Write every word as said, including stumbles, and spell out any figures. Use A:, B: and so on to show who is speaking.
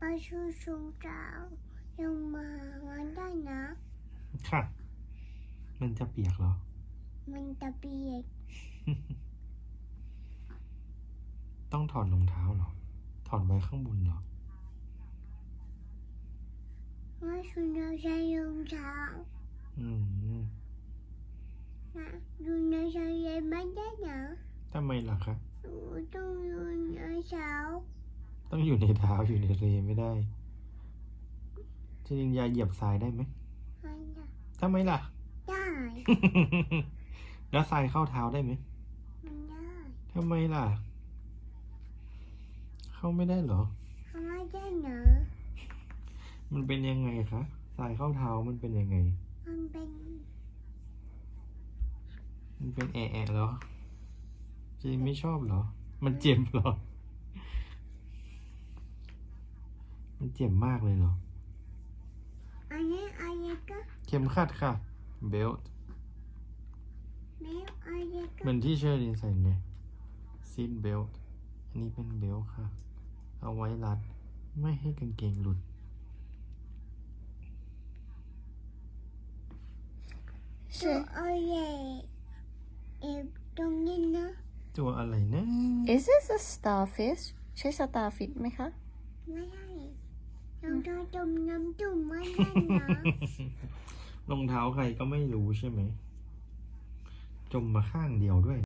A: ไปชูชูเจ้ายังมาวันได้นะ
B: ค่ะ มันจะเปียกเหรอ
A: มันจะเปียก
B: ต้องถอดรองเท้าเหรอ ถอดไว้ข้างบนเหรอ
A: ว่าฉันจะใช้รองเท้า
B: อืม
A: นะดูในใช้ไม่ได้นะ
B: ทำไมล่ะคะ
A: หนูต้องอยู่ในเท้า
B: ต้องอยู่ในเท้าอยู่ในเรไม่ได้จริงๆยาเหยียบทรายได้ไหม
A: ไม่ได้
B: ทำไมล่ะ
A: ได้
B: แล้วทรายเข้าเท้าได้ไหม
A: ไม่ได้
B: ทำไมล่ะ เข้าไม่ได้เหรอ
A: ไม่ได้นะ
B: มันเป็นยังไงคะทรายเข้าเท้ามันเป็นยังไง
A: มันเป็น
B: มันเป็นแอะแอะเหรอจริงไม่ชอบเหรอ มันเจ็บเหรอ มันเจ็บมากเลยเหรอ
A: อันนี้อันนี้ก็
B: เข็มขัดค่ะ เบลต์
A: แมวอันนี้ก็
B: เหมือนที่เชอรินใส่ไงซีทเบลต์อันนี้เป็นเบลต์ค่ะ เอาไว้รัด ไม่ให้กางเกงหลุด
A: ตัวอะไรเอฟตรงนี้นะ
B: ตัวอะไรนะ
C: Is this a starfish ใช่ starfish ไหมคะ
A: ไม่ได้รองเท้าจมน้ำจุ่มไม่ได้นะ
B: รองเท้าใครก็ไม่รู้ใช่ไหม จมมาข้างเดียวด้วย